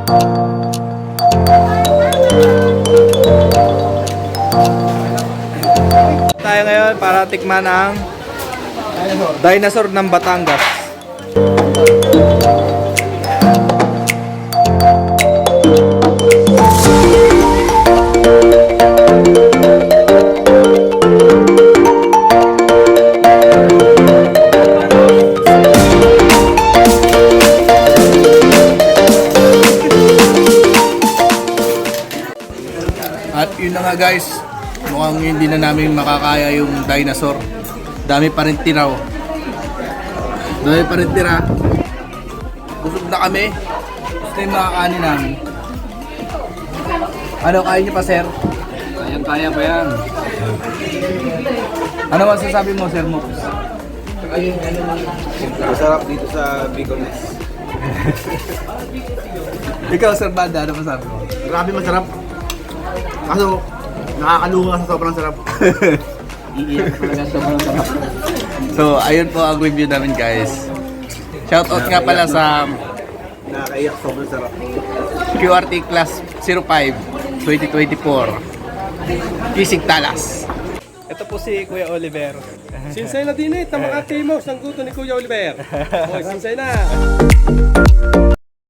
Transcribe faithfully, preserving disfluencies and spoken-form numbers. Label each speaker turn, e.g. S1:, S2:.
S1: Tayo ngayon para tikman ang dinosaur ng Batangas.
S2: At yun na nga guys, mukhang hindi na namin makakaya yung dinosaur. Dami pa rin tira. oh. Dami pa rin tira. Busog na kami. Gusto yung makakanin namin. Ano, kaya niyo pa sir?
S1: Ayan, kaya pa yan.
S2: Ano masasabi mo sir mo?
S3: Masarap dito sa Bicones.
S2: Ikaw sir Banda, ano masasabi mo?
S3: Grabe masarap. Kaso, nakakaluha sa sobrang sarap.
S1: Iiyak talaga sobrang sarap.
S2: So, ayun po ang review namin guys. Shoutout nga pala sa
S3: Nakakaiyak, sobrang sarap.
S2: Q R T Class zero five twenty twenty-four Kisig Talas.
S1: Ito po si Kuya Oliver.
S4: Sinsay na din eh, tamakati mo, sang guto ni Kuya Oliver. Hoy, sinsay na.